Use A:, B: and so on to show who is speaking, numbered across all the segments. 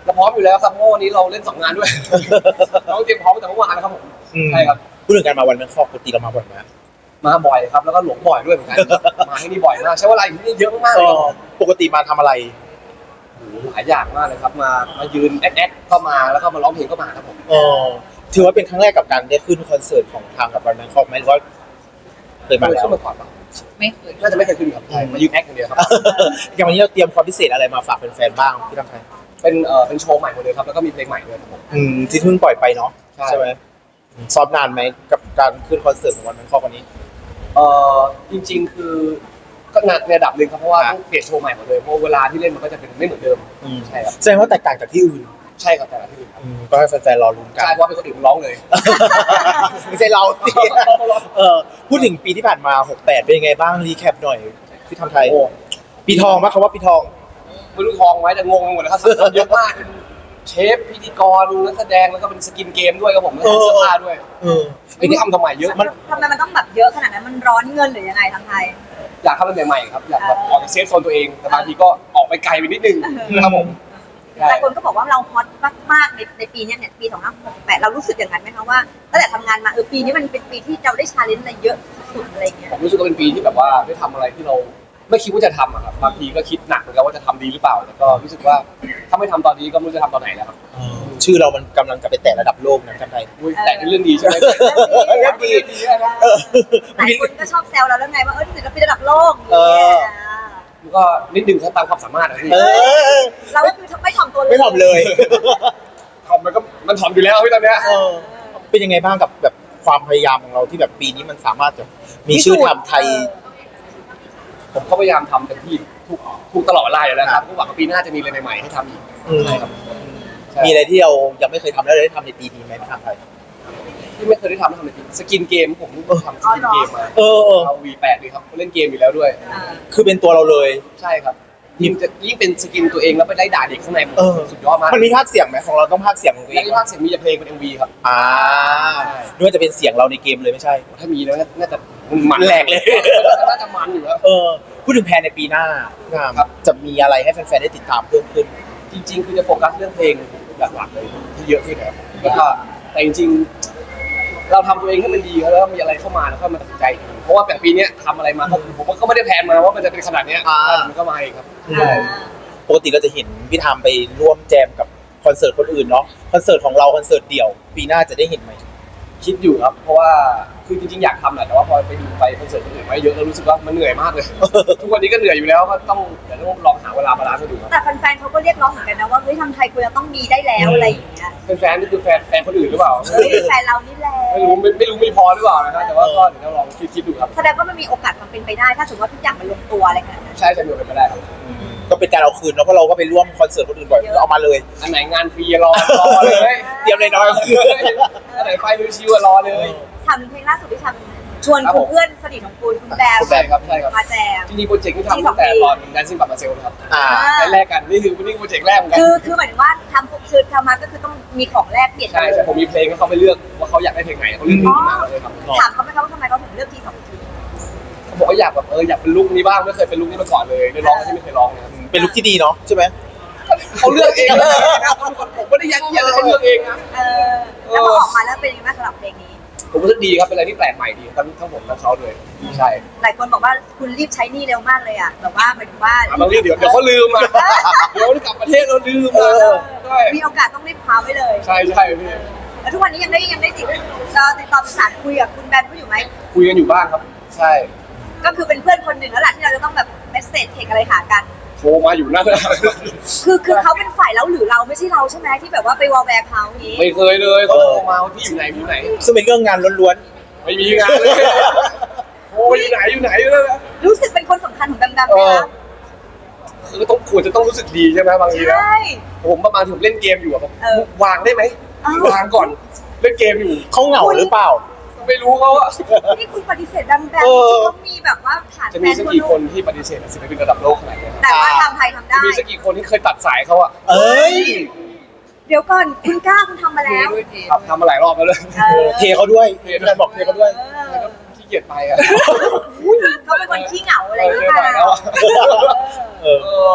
A: เราพร้อมอยู่แล้วครับเพราะวันนี้เราเล่น2 งานด้วยเราเตรียมพร้อมตั้งแต่เมื่อวานนะครับผมใช่ครับ
B: พูดถึงการมาวันแบงคอกปกติเรามาบ่อยไหม
A: มาบ่อยครับแล้วก็หลงบ่อยด้วยเหมือนกันมาที่นี่บ่อยมากใช้เวลาอยู่ที่นี่เยอะมากเลย
B: ปกติมาทำอะไร
A: หลายอย่างมากเลยครับมายืนแอคก็มาแล้วก็มาร้องเพลงก็มาครับผม
B: ถือว่าเป็นครั้งแรกกับการได้ขึ้นคอนเสิร์ตของทางกับวันแบงคอกไหมหรือว่าเคยมาแล้ว
A: ขึ้นมาก่อนปะ
C: ไม่เคย
A: น่าจะไม่เคยขึ้นครับมายืนแอคอย่างเดียวครับ
B: อย่างวันนี้เราเตรียมความพิเศษอะไรมาฝากแฟนๆบ้างที่ทำไทย
A: เป็นโชว์ใหม่หมดเลยครับแล้วก็มีเพลงใหม่ด้วยครับผม
B: ที่เพิ่งปล่อยไปเนาะใช่ไหมซ้อมนานไหมกับการขึ้นคอนเสิร์ตของวันแบงคอกวันนี้
A: จริงๆคือก็นานในระดับหนึ่งครับเพราะว่าต้องเปลี่ยนโชว์ใหม่หมดเลยเพราะเวลาที่เล่นมันก็จะเป็นไม่เหมือนเดิมใช่ครับ
B: แสดงว่าแตกต่างจากที่อื่น
A: ใช่ครับแต่ละที่อื่น
B: ก็ให้แฟนๆรอลุ้นกัน
A: ใช่เพราะเป็นคนอื่นร้องเลย
B: ไม่ใช่เราสิพูดถึงปีที่ผ่านมา68เป็นยังไงบ้างรีแคปหน่อยที่ทำไทยปีทองมั้ยคำว่าปีทอง
A: ไม่รู้ทองไหมแต่งงหมดเลยครับเยอะมากเชฟพิธีกรนักแสดงแล้วก็เป็นสกินเกมด้วยครับผมแล้วก็เสื้อผ้าด้วยไม่ได้ทำไมเยอะ
C: ทำไมมันต้องแบบเยอะขนาดนั้นมันร้อนเงินหรือยังไงทางไทย
A: อยากทำอะไรใหม่ๆครับอยากแบบออกจากเซฟโซนตัวเองแต่บางทีก็ออกไปไกลไปนิดนึงครับผม
C: แต่คนก็บอกว่าเราฮอตมากๆในปีนี้เนี่ยปี2568เรารู้สึกอย่างนั้นไหมคะว่าตั้งแต่ทำงานมาปีนี้มันเป็นปีที่เราได้ชาเลนจ์อะไรเยอะสุดอะไรเงี้ย
A: ผมรู้สึกว่าเป็นปีที่แบบว่าได้ทำอะไรที่เราไม่คิดว่าจะทำอะครับบางทีก็คิดหนักเหมือนกันว่าจะทำดีหรือเปล่าแต่ก็รู้สึกว่าถ้าไม่ทำตอนนี้ก็ไม่รู้จะทำตอนไหนแล้วครับ
B: ชื่อเรามันกำลังจะไปแตะระดับโลกนะกันไทย
A: แต่เป็นเรื่องดีใช่ไหม
B: เรื่องดี
C: หลายคนก็ชอบแซวเราแล้วไงว่าศิลปินระดับโลก
A: ก็นิดนึงครับตามความสามารถนะพี่
C: เราก็คือไม่ถ่อมตัวเลย
B: ไม่ถ่อมเลย
A: ถ่อมมันถ่อมอยู่แล้วพี่ตอนเนี้ย
B: เป็นยังไงบ้างกับแบบความพยายามของเราที่แบบปีนี้มันสามารถจะมีชื่อทำไทย
A: ผมก็พยายามทำเต็มที่ทุกตลอดเวลาอยู่แล้วครับหวังว่าปีหน้าจะมีอะไรใหม่ๆให้ทำอีกใช่ครับ
B: มีอะไรที่เรายังไม่เคยทำแล้วได้ทำในปีนี้ไหมที่ทำไทย
A: ที่ไม่เคยได้ทำในปีสกินเกมผมทำสกินเกมมาเอา V8 เลยครับเล่นเกมอยู่แล้วด้วย
B: คือเป็นตัวเราเลย
A: ใช่ครับยิ่งเป็นสกินตัวเองแล้วไปไล่ด่าเด็กข้างในสุดยอดมาก
B: มันมีภาคเสียงไหมของเราต้องภาคเสียงของตัวเอง
A: ภาคเสียงมีแต่เพลงเป็น MV ครับ
B: ด้วยจะเป็นเสียงเราในเกมเลยไม่ใช่
A: ถ้ามีแล้วน่าจะมัน
B: แหลกเลย
A: น่าจะมันอยู่แล้ว
B: พูดถึงแพลนในปีหน้าครับจะมีอะไรให้แฟนๆได้ติดตามเพิ่มขึ้น
A: จริงๆคือจะโฟกัสเรื่องเพลงหลักๆเลยที่เยอะขึ้นนะครับแล้วก็แต่จริงๆเราทำตัวเองให้มันดีแล้วมีอะไรเข้ามาแล้วก็มาตัดสินใจเพราะว่าแบบปีนี้ทำอะไรมาผมก็ไม่ได้แพลนมาว่ามันจะเป็นขนาดนี้มันก็มาเองครับ
B: ปกติเราจะเห็นพี่ทำไปร่วมแจมกับคอนเสิร์ตคนอื่นเนาะคอนเสิร์ตของเราคอนเสิร์ตเดี่ยวปีหน้าจะได้เห็นไหม
A: คิดอยู่ครับเพราะว่าคือจริงๆอยากทำแหละแต่ว่าพอไปดูไปคอนเสิร์ตคนอื่นมาเยอะแล้วรู้สึกว่ามันเหนื่อยมากเลยทุกวันนี้ก็เหนื่อยอยู่แล้วก็ต้องลองหาเวลาบาลานซ์ดูครับ
C: แต่แฟนๆเขาก็เรียกร้องเหมือนกันนะว่าเฮ้ยทำไทยควรจะต้องมีได้แล้วอะไรอย่างเงี้ย
A: แฟนนี่คือแฟนคนอื่นหรือเปล่า
C: แฟนเรานี่แหละ
A: ไม่รู้มีพอหรือเปล่านะครับแต่ว่าก็เดี๋ยวเราลองคิดดูครับ
C: แสดงว่ามันมีโอกาสความเป็นไปได้ถ้าสมมติว่าทุกอย่างมันลงตัวอะไรขนาดนั้น
A: ใช่จะมีเป็นไปได้ครับ
B: ก็เป็นการเอาคืนแล้วเพราะเราก็ไปร่วมคอนเสิร์ตคนอื่นบ่อยเอามาเลย
A: อันไหนงานฟรีรอเลย
B: เตรียมเลยน้อย
A: อันไหนไฟดูชิวรอเลย
C: ทำเพลงล่าสุดที่ทำชวนคุณเพื่อนสนิทของคุณแบม
A: ครับใช่ครับ
C: มาแจม
A: จริงๆโปรเจกต์ที่ทำตั้งแต่ตอนแดนซิ่งบัตมาเซลครับแรกกันนี่คือโปรเจกต์แรกเหมือนกัน
C: คือหมายถึงว่าทำมาก็คือต้องมีของแรกเปลี่ยน
A: ใช่ผมมีเพลงให้เขาไปเลือกว่าเขาอยากได้เพลงไหนเขาเลือกเพลงมาเลยครับ
C: ถามเขาไหมครับว่าทำไมเขาถึงเลือกทีสองที
A: เขาบอกว่าอยากแบบอยากเป็นลุคนี้บ้างไม่เคยเป็นลุคนี้มาก่อนเลยได้ร้องที่ไม่เคยร้องนะครับ
B: เป็นลุคที่ดีเนาะใช่ไหม
A: เขาเลือกเองนะผมไม่ได้ยัดเยียดเขาเลือกเองนะ
C: แล้วพอออกมาแล้วเป็นยังไงสำหรับเพลงนี้
A: ผมรู้สึกดีครับเป็นอะไรที่แปลกใหม่ดีทั้งผมทั้งเขาเลยใช่
C: หลายคนบอกว่าคุณรีบใช้หนี้เร็วมากเลยอ่ะแบบว่าหมายถึงว่า
A: ต้องรีบเดี๋ยวเขาลืมอ่ะเดี๋ยวกลับประเทศเราลืม
C: มีโอกาสต้องรีบพาไว้เลย
A: ใช่พี่
C: แล้วทุกวันนี้ยังได้ติดต่อสารคุยกับคุณแบนเขาอยู่ไหม
A: คุยกันอยู่บ้างครับใช่
C: ก็คือเป็นเพื่อนคนหนึ่งแล้วแหละที่เราจะต้องแบบเมสเซจเทคอะไรหากัน
A: โทรมาอยู่นั่น
C: คือเขาเป็นฝ่ายแล้วหรือเราไม่ใช่เราใช่ไหมที่แบบว่าไปวอลแวร์เขานี้
A: ไม่เคยเลยเขาโทรมาที่อยู่ไหน
B: ซึ่งเป็นเรื่องงานล้วน
A: ๆไม่มีงานเลยโอ้อยู่ไหน
C: รู้สึกเป็นคนสำคัญของแบมไหมคะ
A: คือควรจะต้องรู้สึกดีใช่ไหมบางทีนะผมประมาณผมเล่นเกมอยู่อะผมวางได้ไหมวางก่อนเล่นเกมอยู่
B: เขาเหงาหรือเปล่า
A: ไม่รู้เขาอะ
C: นี่คุณปฏิเสธดังๆที่เขามีแบบว่าฐาน
A: จะมีสักกี่คนที่ปฏิเสธศิลปินระดับโลกขนาดนี้
C: แต่ว่าทำไทยทำได้
A: มีสักกี่คนที่เคยตัดสายเขาอะ
C: เดี๋ยวก่อนคุณกล้าคุณทำมาแล้ว
A: ทำมาหลายรอบแล้วเลย
B: เทเขาด้วยบอกเทเขาด้วย
A: ขี้เกียจไปอะ
C: เขาเป็นคนขี้เหงาอะไรหรือเปล่า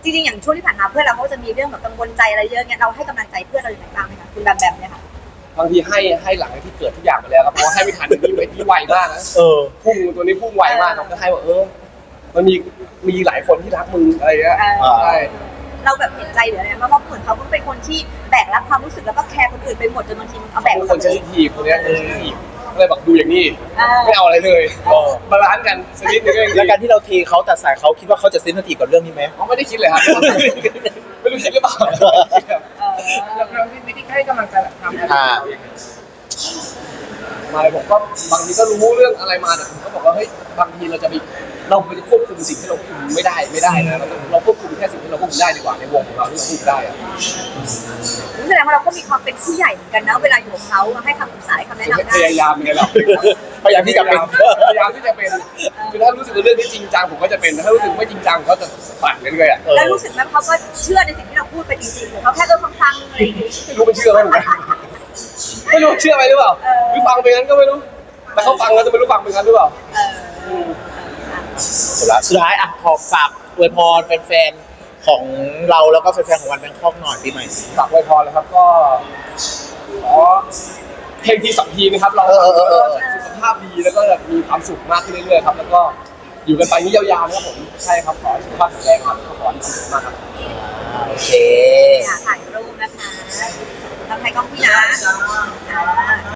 C: จริงๆอย่างช่วงที่ผ่านมาเพื่อนเราเขาจะมีเรื่องแบบกังวลใจอะไรเยอะเงี้ยเราให้กำลังใจเพื่อนเราอย่างไรบ้างไหมคะคุณแบมเนี่ยค่ะ
A: บางทีให้หลังจากที่เกิดทุกอย่างไปแล้วครับเพราะว่าให้ไม่ทันนี่ไวมากนะ พุ่งตัวนี้พุ่งไวมากครับก็ให้ว่ามันมีหลายคนที่รักมึงอะไรเงี้ยใช่
C: เราแบบเห็นใจหรืออะไรเพราะว่าเหมือนเขาเป็นคนที่แบกรับความรู้สึกแล้วก็แคร์คนอื่นไปหมดจนบางทีเอาแบก
A: เป็นคนเซนซิทีฟคนเนี้ยเซนซิทีฟก็เลยแบบดูอย่างนี้ไม่เอาอะไรเลย
B: เออ
A: บาลานซ์กันสักนิดนึง
B: แล้วการที่เราเทเขาตัดสายเขาคิดว่าเขาจะเซนซิทีฟกับเรื่องนี้ไหม
A: เขาไม่ได้คิดเลยครับไม่รู้คิดหรือเปล่า
D: เราวิธีให้กำลังใจแบบทำอะไรอย่างเงี้ย
A: มาเลยผมก็บางทีก็รู้เรื่องอะไรมาแต่ผมก็บอกว่าเฮ้ยบางทีเราจะควบคุมสิ่งที่เราควบคุมไม่ได้นะเราควบคุมแค่สิ่งที่เราควบคุมได้ดีกว่าในวงของเราที่เราควบคุมได้อะ
C: แสดงว่าเราก็มีความเป็นผู้ใหญ่เหมือนกันนะเวลาอยู่กับเขาให้คำปรึกษาให้คำแนะนำได้
A: พยายามยังไงเรา
B: พยายามที่จะเป็น
A: พยายามที่จะเป็นคือถ้ารู้สึกว่าเรื่องนี้จริงจังผมก็จะเป็นถ้ารู้สึกไม่จริงจังก็จะปั่นเรื่อยๆอ่ะ
C: แล้วรู้สึกไหมเขาก็เชื่อในสิ่งที่เราพูดไปจริงๆหรือเขาแค่ฟังๆอะไรอย่างงี้
A: ไม่รู้มันเชื่อไหมเหมือนกันไม่รู้เชื่อไหมหรือเปล่าหรือฟังไปงั้นก็ไม่รู้แต่เขาฟังแล้วจะไม่รู้ฟังไปงั้นหรือเปล่า
B: สุดท้ายอ่ะขอฝากอวยพรแฟนๆของเราแล้วก็แฟนๆของวันแบงคอกหน่อยปีใหม่
A: ฝากไว้พรเลยครับก็ขอเพลงทีสองทีนะครับเราสุขภาพดีแล้วก็มีความสุขมากขึ้นเรื่อยๆครับแล้วก็อยู่กันไปนี้ยาวๆนะครับผมใช่ครับขอสุขภาพแข็งแรงครับขอให้มีความสุขมากครับ
B: โอเค
C: ถ่ายรูปนะคะทำไทยกล้องพี่นะ